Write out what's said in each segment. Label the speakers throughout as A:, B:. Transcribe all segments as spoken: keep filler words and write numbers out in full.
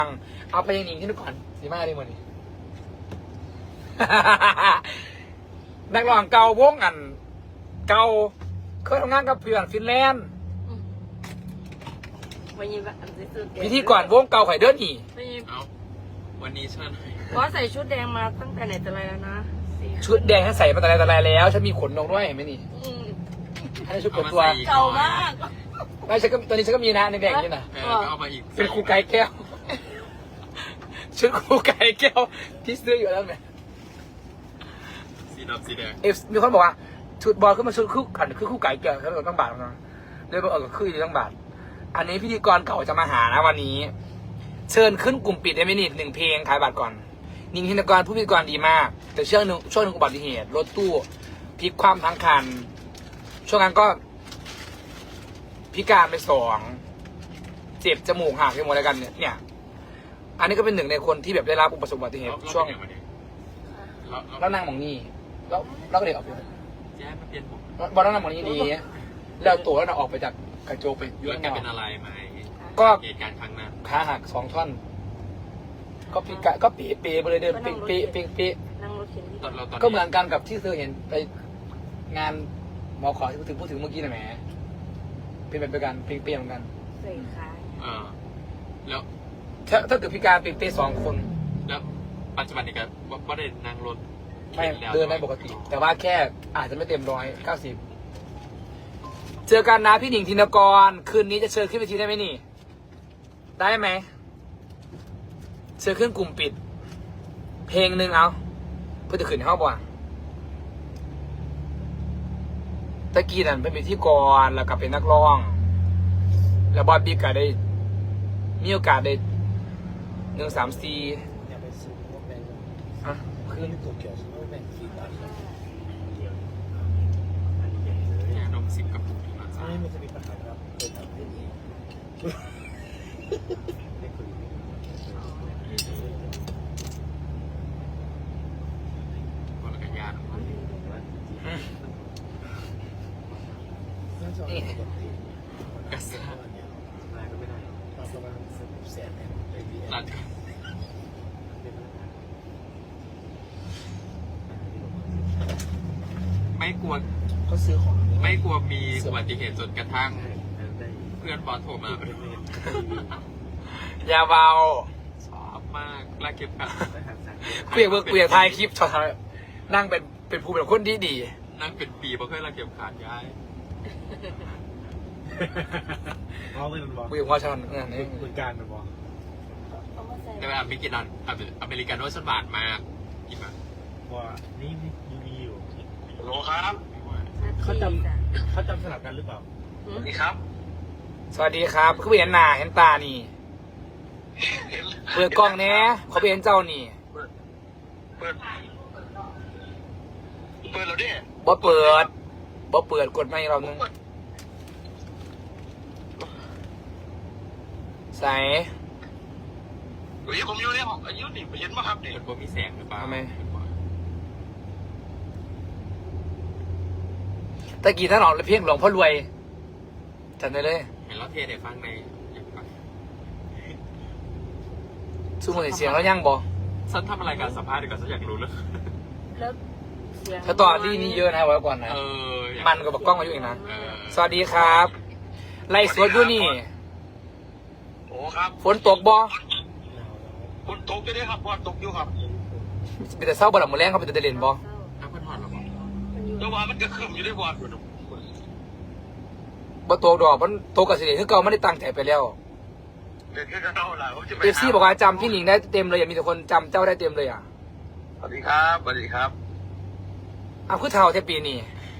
A: เอาไปยังหนิงที่นู่นก่อนสีมาดีหมดนี่ นักร้องเก่าวงอันเก่าเคยทำงานกับเพื่อนฟินแลนด์พิธีกรวงเก่าไข่เดินนี่
B: เอาวันนี้เชิญ
C: เพราะใส่ชุดแดงมาตั้งแต่ไหนแต่ไรแล้วนะ
A: ชุดแดงให้ใส่มาแต่ไรแต่ไรแล้วฉันมีขนนกด้วยเห็นไหมนี่ให้ชุดเปิดตัว
C: เก่ามาก
A: ไม่ฉันก็ตอนนี้ฉันก็มีนะในแดงนี่นะ
B: เอามาอีก
A: เป็นครูไก่แก้วชุดครูไก่แก้วที่ซื้ออยู่แล้วไหม
B: สีดำสีแดง
A: เอฟมีคนบอกว่าชุดบอลขึ้นมาชุดคู่ขันคือคู่ไก่แก้วแล้วก็ต้องบาทนะเลยบอกเออคืออยู่ต้องบาทอันนี้พิธีกรเก่าจะมาหานะวันนี้เชิญขึ้นกลุ่มปิดได้ไหมนี่หนึ่งเพลงขายบัตรก่อนนิ่งพิธีกรผู้พิธีกรดีมากแต่ช่วงหนึ่งช่วงหนึ่งอุบัติเหตุรถตู้พลิกคว่ำทั้งคันช่วงนั้นก็พิการไปสองเจ็บจมูกหักไปหมดแล้วกันเนี่ยเนี่ยอันนี้ก็เป็นหนึ่งในคนที่แบบได้รับอุบัติเหตุช่วงแล้วนั่งมองนี่แล้วแล้วก็เด็กออกไป
B: แจ๊มาเปลี่ยนผม
A: บอลนั่งมองนี่ดีแล้วตัวแล้วเราออกไปจากกระโจกไป
B: ย้อนแกเป็นอะไรไหม
A: ก็
B: เหตุการณ์ครั้งนั้น
A: ขาหักสองท่อนก็พิกะก็เป๊ะเป๊ะไปเลยเดินเป๊ะเป๊ะเป๊ะเป๊ะก็เหมือนกันกับที่เธอเห็นไปงานหมอขอที่พูดถึงพูดถึงเมื่อกี้นะแหมเป็นแบบเดียวกันเป๊ะเป๊ะเหมือนกัน
C: ใส่ขา
B: เออแล้ว
A: ถ้าถ้าเกิดพิการเป๊ะเป๊ะสองคน
B: แล้วปัจจุบันนี้ก็ว่าได้นั่งรถ
A: ไม่เดินได้ปกติแต่ว่าแค่อาจจะไม่เต็มร้อยเก้าสิบเจอกันนะพี่หนิงธินกรคืนนี้จะเชิญขึ้นเวทีได้ไหมนี่ได้ไหมเชิญขึ้นกลุ่มปิดเพลงหนึ่งเอาเพื่อจะขึ้นเข้าบ่ะตะกี้นั่นเป็นพิธีกรแล้วก็เป็นนักร้องแล้วบอสบิ๊กก็ได้มีโอกาสได้หนึ่งสามสี่อ่ะขึ้น
B: นมสิบกระปุกที่มา
D: ไม่มันจะมีปัญหาครับเคยทำได้ดี
B: บอลกันยานกระซ่าก็ไม่ได้
D: ประมาณแสนเนี่ย
B: รัดไม่กลัว
D: เขาซื้อของ
B: ไม่กลัวมีอุบัติเหตุจนกระทั่งเพื่อนบอสโทรมา
A: อย่าเบา
B: ชอบมากลากเก็บกัน
A: เกลียดเบิร์กเกลียดถ่ายคลิปชอบนั่งเป็นเป็นผู้เป็นคนดีดี
B: นั่งเป็นปีเพราะเคยลากเก็บขาดย้าย
D: เขาเลยมันบอก
A: คุยกับว่าชันงานนี้
D: เหมือนกันมันบอก
B: แต่ว่าไม่กินอันอเมริกันโนสบาทมากกินมา
D: ว่านี่มีมีอยู่
B: โลครับ
D: เขาจำเขาจำสลับกันหรือเปล่า
B: สวัสดีครับ
A: สวัสดีครับคือเห็นหน้าเห็นตานี่เปิดกล้องเนี้ยเขาเห็นเจ้านี่
B: เปิดเปิดแล้วดิ
A: บ่เปิดบ่เปิดกดไม่เรานึงใส่
B: เฮ้ยผมอยู่ในห้องอายุนี่เห็นไหมครับเนี่ยผมมีแสงหรือเปล่า
A: ไม่ตะกี้ท่านออกเพียงหลวงพ่อรวยจำได้เลย
B: เห็นแล้วเทเดี๋ยวฟังใน
A: สู้มือเสียงแล้วยังบอ
B: ฉันทำอะไรการสัมภาษณ์ดีกว่าฉันอยากรู้เลย
C: แล้วเสียง
A: ถ้าต่อที่นี่เยอะนะไว้ก่อนนะมันก็บอกกล้องมาอยู่อีกนะสวัสดีครับไล่สวดอยู่นี่
B: โอ้ครับ
A: ฝนตกบอ
B: ฝนตกจะได้ครับฝนตกอยู่ครับ
A: เป็นแต่เศร้าบ่หลับมือแรงเขาเป็นแต่เด่นบอ
B: น้ำพันหอดหรอแต่ว่ามันก็ขึ้นอยู่ได้วัน
A: บ่ตกดอกมันตกกับสิเดคือเก่าไม่ได้ตั้งใจไปแล้วเอฟซีบอกว่าจำพี่หนิงได้เต็มเลยอย่ามีแต่คนจำเจ้าได้เต็มเลยอ่ะ
B: สวัสดีครับสวัสดีครับ
A: อ้าวคือเท่าแค่ปีนี้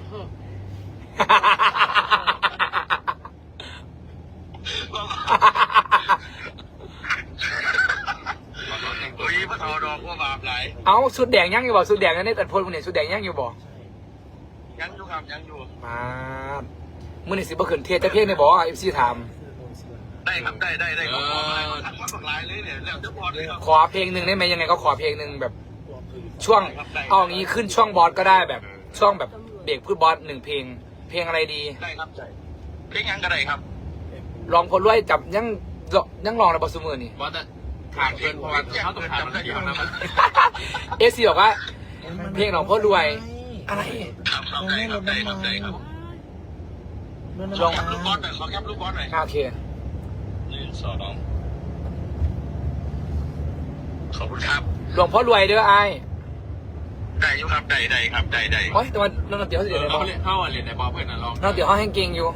B: เฮ้ยพระทอดอกว่าบาปไหล
A: เอาสุดแดงยังอยู่บ่สุดแดงนั่นนี่แต่พลคนนี้สุดแดงยังอยู่บ่
B: ยังอยู่ครับยังอยู่
A: มามื่อนี่สิบ่ขึ้นเทียจะเพียงในบ่เอฟซีถาม
B: ได้ครับได้ได้ได้ขอหลายเลยเนี่ยแล้วจะบอสเลย
A: ขอเพลงหนึ่งได้ไหมยังไงก็ขอเพลงหนึ่งแบบช่วงเอางี้ขึ้นช่วงบอสก็ได้แบบช่วงแบบเบรกพูดบอสหนึ่งเพลงเพลงอะไรดี
B: ได้ครับเพลงยังก็ได้ครับ
A: ลองพลรวยจับยังยังลองในบอสมือนี่
B: บอสถามเพื่อนเพราะว่าเขาต้องถามมันเดียวนะมัน
A: เอซีบอกว่า เพลงของพ่อรวย อะไร
E: ทำได้ครับได้ครับได้ครับ
A: ลอง
E: ลูกบอลหน่อยขอแคปลูกบอลหน่อย
A: โอเค
E: หนึ่งสองขอบคุณครับ
A: หลวงพ่อรวยเด้อไอ้
E: ได้อยู่ครับได้ได้ครับได้ได้
A: โอ้ยแต่ว่าน้องเตี๋ยวเขาเสียเลยบ
B: เขา
A: อก
B: เล่นเข้าอ่ะเล่นในบอลเพื่อนน่ะลอง
A: น้องเตี๋ยวเขาแห้งเก่งอยู่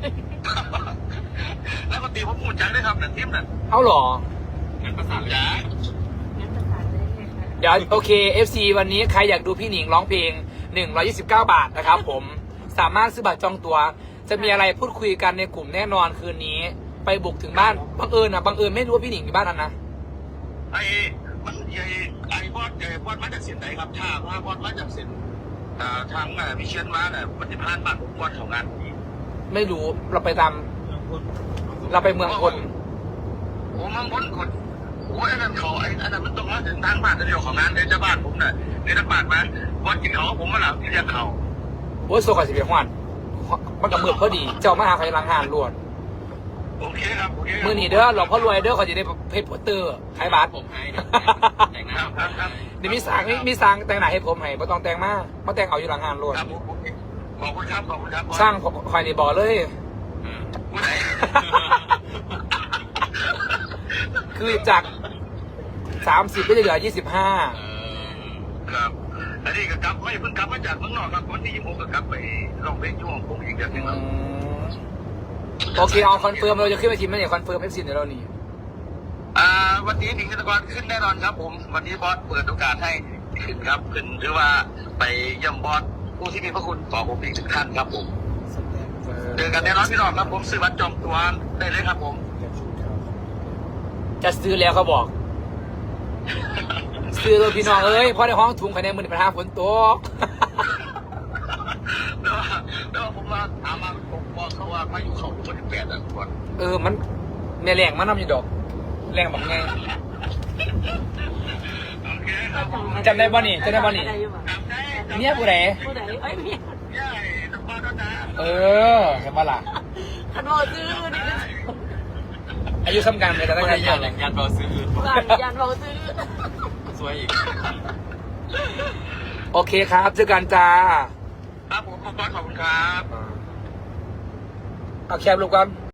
E: แล้วก็ตีผมพูดจังได้ครับนั่นทิมนั่น
A: เอาเหรอ
B: งั้นภาษาเลย
E: จ้า
C: งั้นภาษาเลยค่ะ
A: เดี๋ยวโอเค เอฟ ซี วันนี้ใครอยากดูพี่หนิงร้องเพลงหนึ่งร้อยยี่สิบเก้าบาทนะครับผม สามารถซื้อบัตรจองตัว จะมีอะไรพูดคุยกันในกลุ่มแน่นอนคืนนี้ ไปบุกถึงบ้าน บังเอิญนะบังเอิญไม่รู้ว่าพี่หนิงอยู่บ้านนั้นนะ
E: ไอ้มันไอ้ไอ้บอสไอ้บอสมาจากเส้นไหนครับถ้าว่าบอสมาจากเส้นอ่าทางอ่าวิเชียนมาเนี่ยมันจะผ่านบ้านผมบอสของงานนี้
A: ไม่รู้ เราไปตาม เราไปเมืองคน
E: โอ้มังคนคนโอ้ยอันนั้นเขาไอ้อันนั้นมันต้องมาถึงทางบ้านเดียวของงานเดี๋ยวจะบ้านผมน่ะเดี๋ยวจะบ้านมาบอสกินเขาผมมาหลับเรียกเขา
A: โอ้ยโซกับสิบเอ็ดวันมันกับมือพอดี เจ้ามาหาใครลังหานรวด
E: โอเคครับโอเคครับ
A: มือหนีเด้อหลวงพ่อรวยเด้อเขาจะได้เพจโปสเตอร์ขายบัตร
B: ผมให้เนี่ยแต่งหน้า
E: ครับครับครับ
A: เดี๋ยวมีสางมีมีสางแต่งหน้าให้ผมให้ไม่ต้องแต่งมากมาแต่งเอาอยู่หลังงานรวด
E: ครับโอเคขอบคุณครับขอบคุณครับ
A: สร้างคอยในบ่อเลย
E: ผู้ใด
A: คือจากสามสิบก็จะเหลือยี่สิบห้า
B: เออ
E: ครับอันนี้ก็กลับไม่เพิ่งกลับมาจากเมืองนอกครับวันที่ยี่สิบหกก็กลับไปร้องเพลงช่วงผมอีกเดือนหนึงครับ
A: โอเคเอาคอนเฟิร์มเราจะขึ้นไปทีมไหมเนี่ยคอนเฟิร์มเอฟซีเดี๋ยวเราหนี
E: อ่าวันนี้หนิงธนกรขึ้นแน่นอนครับผมวันนี้บอสเปิดโอกาสให้ขึ้นครับขึ้นหรือว่าไปเยี่ยมบอสผู้ที่มีพระคุณต่อผมอีกถึงท่านครับผมเจอกันแน่นอนพี่น้องครับผมซื้อบัตรจองตัวได้เลยครับผม
A: จะซื้อแล้วเขาบอก ซื้อเลยพี่น้องเอ้ยเพราะในห้องถุงภายในมือปัญหาฝนตก
E: แล้วแล้วผมมาถามมาผมบอกเขาว่าพายุเขาคนที่แปดอ่ะก่อน
A: เออมันแม่แรงมันน้ำอยู่ดอกแรงแบบไง
E: โอเคครับผม
A: จำได้บ่นี่จำได้บ่นี่
E: จำได้จำได้
A: เมียผู้ใด
C: ผู้ใดเอ้ยเมีย
E: ย่าน้องบอสนะจ๊ะ
A: เออเห็นปะล่ะ
C: คันบอกซื้อนี่
A: อายุซ้ำกันเลยแต่
B: ไม่
A: ตั้ง
B: ได้
A: ใจ
B: ยานแหล่งยานเบาซื้ออื่น
C: บ้านยันบอกซื้อ
B: สวยอีก
A: โอเคครับเจอกันจ้า
E: ครับผมบอสขอบคุณครับ
A: เอาแคบลูกกัน